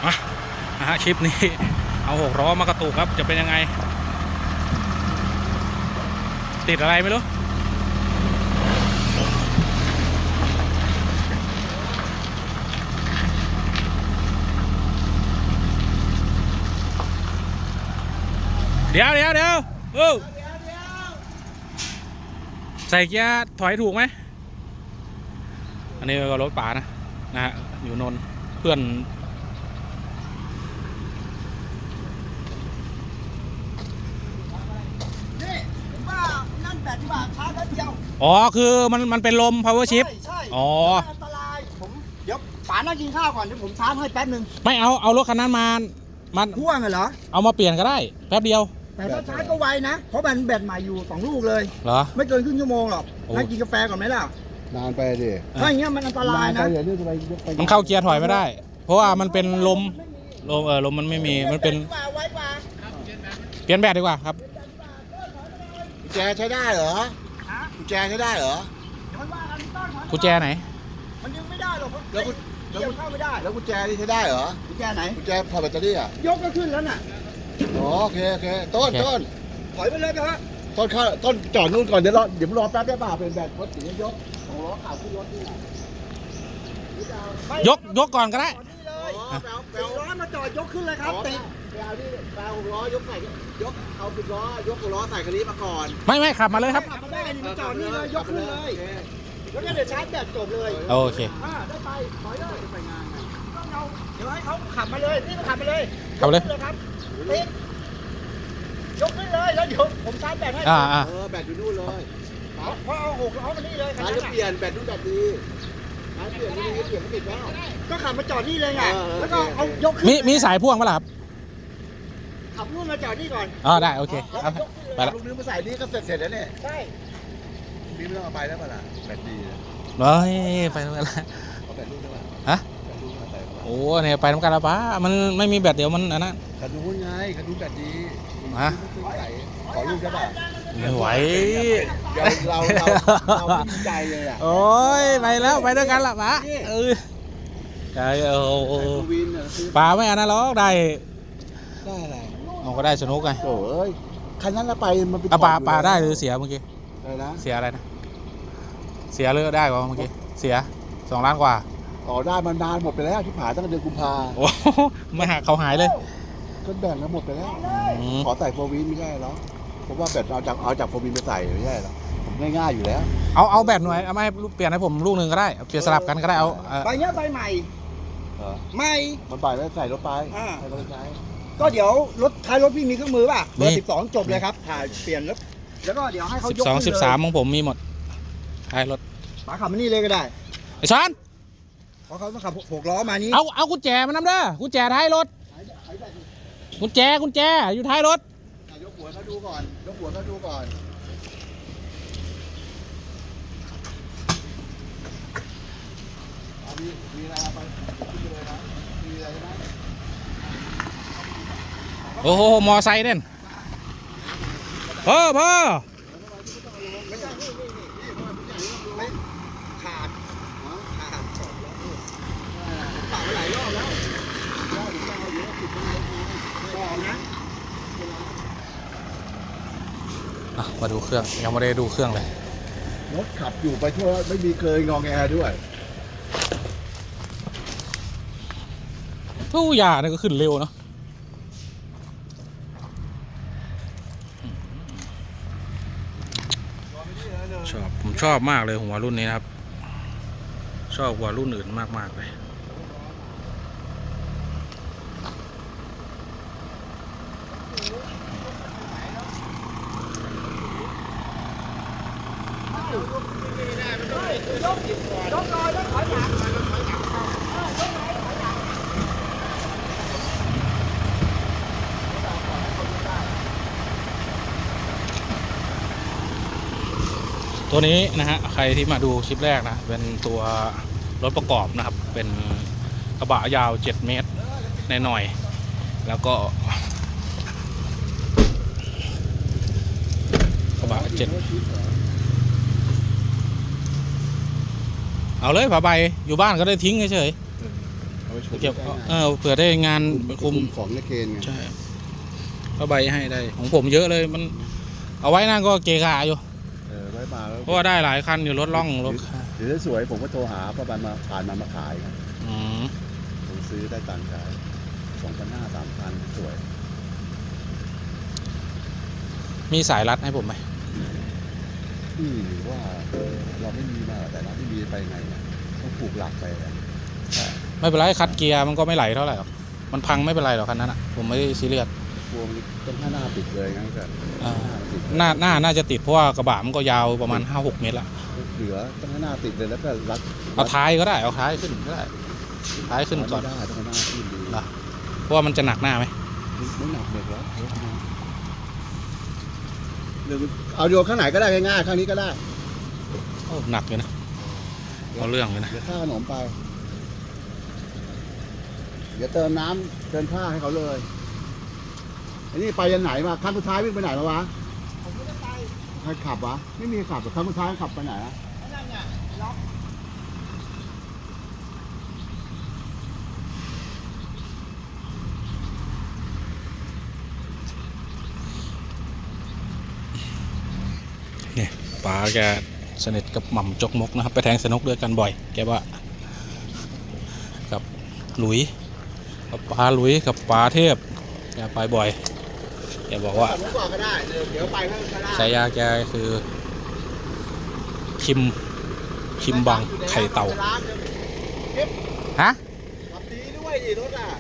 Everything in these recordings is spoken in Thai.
มาคลิปนี้เอา6 ล้อมากระตุกครับจะเป็นยังไงติดอะไรไม่รู้เดี๋ยวใส่เกียร์ถอยถูกไหมอันนี้ก็รถป่านะฮะอยู่นนท์เพื่อนอ๋อคือมันเป็นลม power shift ใช่อ๋ออันตรายผมเดี๋ยวป๋านั่งกินข้าวก่อนเดี๋ยวผมชาร์จให้แป๊บนึงไม่เอารถคันนั้นมาพ่วงเหรอเอามาเปลี่ยนก็ได้แป๊บเดียวแต่ถ้าชาร์จก็ไวนะเพราะมันแบตใหม่อยู่2 ลูกเลยเหรอไม่เกินครึ่งชั่วโมงหรอกนั่งกินกาแฟก่อนไหมล่ะนานไปดิถ้าอย่างเงี้ยมันอันตรายนะมันเข้าเกียร์ถอยไม่ได้เพราะว่ามันเป็นลมมันไม่มีมันเป็นเปลี่ยนแบตดีกว่าครับกุญแจใช้ได้เหรอกุญแจใช้ได้เหรอกุญแจไหนมันยังไม่ได้หรอกแล้วเข้าไม่ได้แล้วกุญแจนี่ใช้ได้เหรอกุญแจไหนกุญแจพอแบตเตอรี่อ่ะยกก็ขึ้นแล้วน่ะโอเคต้นถอยไปเลยนะฮะต้นจอดนู่นก่อนเดี๋ยวรอแป๊บได้ป่ะเป็นแบตรถสียกของล้อข่าวขึ้นรถนี่ยกก่อนก็ได้เอาล้อมาจอดยกขึ้นเลยครับติดแปล6 ล้อยกใส่เอา10 ล้อยก6 ล้อใส่คันนี้มาก่อนไม่ขับมาเลยครับขับมาได้นี่มาจอดนี่เลยยกขึ้นเลยแล้วก็เดี๋ยวชาร์จแบตจบเลยโอเคได้ไปถอยเลยไปงานเดี๋ยวให้เขาขับมาเลยนี่มาขับมาเลยครับติดยกขึ้นเลยแล้วเดี๋ยวผมชาร์จแบตให้แบตอยู่นู่นเลยเพราะเอา6 ล้อมานี่เลยร้านจะเปลี่ยนแบตนู่นแบตดีร้านเปลี่ยนไม่ติดแล้วก็ขับมาจอดนี่เลยไงแล้วก็เอายกมีสายพ่วงป่ะล่ะครับขับนู่นมาจอดนี่ก่อนได้โอเคไปแล้วลูกนึงมาใส่นี่ก็เสร็จแล้วเนี่ยใช่นี่ไม่ต้องเอาไปแล้วป่ะล่ะแบตดีไปทำกันละเอาแบตลูกได้ป่ะฮะโอ้เนี่ยไปทำกันละป้ามันไม่มีแบตเดี๋ยวมันอันนั้นคันนู้นไงคันนู้นแบตดีขอลูกได้ป่ะไม่ไหวเราดีใจเลยอ่ะโอ้ยไปแล้วไปด้วยกันละป้าใช่ป้าไม่อันนั้นหรอกได้อะไรก็ได้สนุกไงโอ้ยคันนั้นละไปมันเป็นป้าได้หรือเสียเมื่อกี้อะไรนะเสียอะไรนะเสียเลือกได้กว่าเมื่อกี้เสีย2 ล้านกว่าได้มานานหมดไปแล้วที่ผ่านตั้งแต่เดือนกุมภาโอ้ไม่หาเขาหายเลยก็แบ่งแล้วหมดไปแล้วขอใส่โฟวินไม่ใช่หรอเพราะว่าแบตเอาจากโฟวินไปใส่ไม่ใช่หรอผมง่ายๆอยู่แล้วเอาแบตหน่วยเอาไม่เปลี่ยนให้ผมลูกนึงก็ได้เปลี่ยนสลับกันก็ได้เอาใบเนี้ยใบใหม่ไม่มันใบแล้วใส่รถไปใส่รถใช้ก็เดี๋ยวท้ายรถพี่มีเครื่องมือป่ะเบอร์12จบเลยครับถ่ายเปลี่ยนแล้วก็เดี๋ยวให้เขายก 12 13ของผมมีหมดท้ายรถป๋าขับมานี่เลยก็ได้ไอ้ช้อนเพราะเขาต้องขับ6 ล้อมานี้เอากุญแจมานำเด้อกุญแจท้ายรถกุญแจอยู่ท้ายรถยกหัวเขาดูก่อนมีอะไรไปเลยนะมีอะไรไหมโอ้โหมอไซค์เด่นพ่อไม่ใช่ไม่ขาดปากหลายรอบแล้วมาดูเครื่องยังไม่ได้ดูเครื่องเลยรถขับอยู่ไปทั่วไม่มีเคยงอแงด้วยทุกอย่างนี่ก็ขึ้นเร็วเนาะผมชอบมากเลยหัวรุ่นนี้นะครับชอบกว่ารุ่นอื่นมากเลยตัวนี้นะฮะใครที่มาดูคลิปแรกนะเป็นตัวรถประกอบนะครับเป็นกระบะยาว7 เมตรหน่อยๆแล้วก็กระบะ7เอาเลยผ้าใบอยู่บ้านก็ได้ทิ้งเฉยๆเอาไปชมเก็บได้เผื่อได้งานคุคุมมของในเกณฑ์ไงใช่ก็ใบให้ได้ของผมเยอะเลยมัน เอาไว้นั่นก็เกะกะอยู่ไว้มาแล้วเพราะว่าได้หลายคันอยู่รถล่องรถเดี๋ยวสวยผมก็โทรหาป้าบันมาผ่านมาขายไงอืมผมซื้อได้ตังค์ขาย2,500 3,000สวยมีสายรัดให้ผมไหมหรือว่าเราไม่มีมาแต่เราไม่มีไปไงนะต้องผูกหลักไปนะไม่เป็นไรคัดเกียร์มันก็ไม่ไหลเท่าไหร่หรอกมันพังไม่เป็นไรหรอกคันนั้นอ่ะผมไม่ได้ซีเรียสกลัวมันต้องหน้าติดเลยงั้นก็น่าจะติดเพราะว่ากระบะมันก็ยาวประมาณ 5-6 เมตรละเหลือต้องหน้าติดเลยแล้วก็รัดเอาท้ายก็ได้เอาท้ายขึ้นก็ได้ท้ายขึ้นก่อนไม่ได้ต้องหน้าขึ้นดีนะเพราะว่ามันจะหนักหน้าไหมไม่หนักเลยแล้วเอาโยนข้างไหนก็ได้ง่ายๆข้างนี้ก็ได้โอ้หนักเลยนะเอาเรื่องเลยนะเดี๋ยวค่าขนมไป เดี๋ยวเติมน้ำเติมผ้าให้เขาเลยไอ้นี่ไปยันไหนมาครั้งสุดท้ายวิ่งไปไหนแล้ววะผมไม่ได้ไปใครขับวะไม่มีขับแต่ครั้งสุดท้ายขับไปไหนอะไอ้นั่นไงล็อกเนี่ยป๋าแกสนิทกับหม่ำจกมกนะครับไปแทงสนุกด้วยกันบ่อยแกว่ากับหลุยกับป๋าหลุยกับป๋าเทพแกไปบ่อยแกบอกว่าขับรถก่อนก็ได้เดี๋ยวไปเพิ่มก็ได้ฉายาแกคือคิมบังไข่เต่าฮะขับดีด้วยดิรถอ่ะ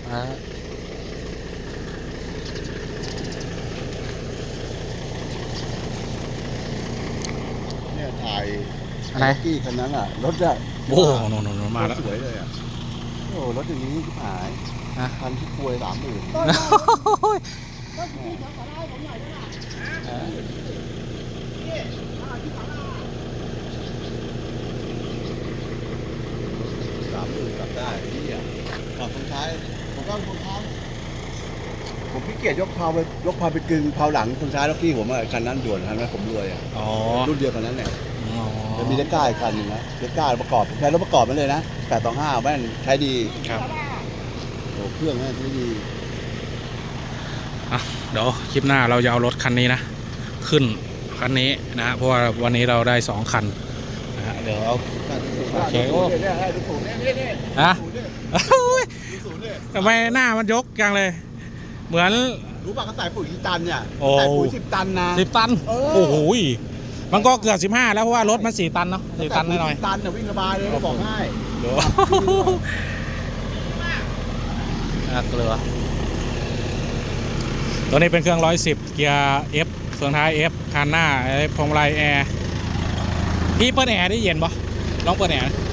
เนี่ยถ่ายอะไรกี้คันนั้นอ่ะรถอ่ะโอ้โหโนมาแล้วสวยเลยอ่ะโอ้รถอย่างนี้ที่หายฮะคันที่ควย30,000 ต้นที่เขาขอได้ผมหน่อยได้ไหมนี่ที่ขอได้ 30,000กลับได้นี่อ่ะขับคนท้ายผมก็คนท้ายผมขี้เกียจยกเพาไปกึ่งเพาหลังคนท้ายแล้วพี่ผมอ่ะคันนั้นด่วนคันนั้นผมรวยอ่ะอ๋อรุ่นเดียวกันนั้นเนี่ยอ๋อจะมีเล็กก้าอีกคันหนึ่งนะเล็กก้าประกอบใช้รถประกอบมันเลยนะ825แม่นใช้ดีครับโอ้เครื่องแม่นใช้ดีอ่ะเดี๋ยวคลิปหน้าเราจะเอารถคันนี้นะขึ้นคันนี้นะฮะเพราะว่าวันนี้เราได้2คันนะฮะเดี๋ยวเอา โอเคโอ้เนี่ยดูสูงเนี่ยฮะดูสูงเนี่ยทำไมหน้ามันยกจังเลย เหมือนรู้ป่ะเขาใส่ปุ๋ยกี่ตันเนี่ยโอ้ใส่ปุ๋ย10 ตันนะ 10 ตันเออโอ้โหยมันก็เกือบ15แล้วเพราะว่ารถมัน4 ตันเนาะ4 ตันหน่อย 10 ตันเนี่ยวิ่งสบายเลยบอกให้ๆเดี๋ยวเกลือตัวนี้เป็นเครื่อง110เกียร์ F เฟืองท้าย F คันหน้าพวงมาลัยแอร์พี่เปิดแอร์ได้เย็นปะลองเปิดแอร์นะ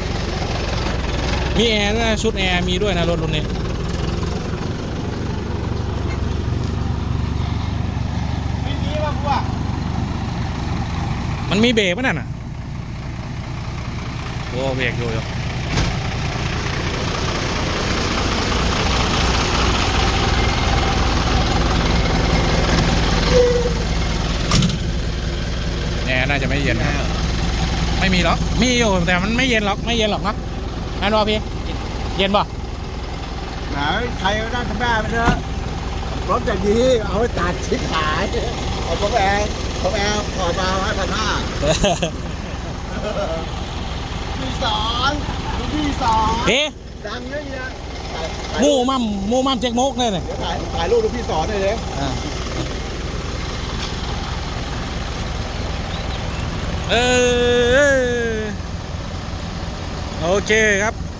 มีแอร์ด้วยนะชุดแอร์มีด้วยนะรถรุ่นนี้ไม่มีว่ะพวกมันมีเบรกมั้ยนั่นน่ะโอ้เบรกอยู่แอร์น่าจะไม่เย็นครับไม่มีหรอกมีอยู่แต่มันไม่เย็นหรอกไม่เย็นหรอกนะนั่นวะพี่เย็นป่ะไหนใครก็ได้ทำแม่ไปเถอะรถอย่างนี้เอาไปตัดชิ้นขายเอาผมแอร์ขอมา1,500พี่สอนพี่สอนพี่ดังเยอะแยะหมู่มั่มเจ๊กมกเลยเนี่ยเดี๋ยวถ่ายรูปดูพี่สอนหน่อยเลยโอเคครับ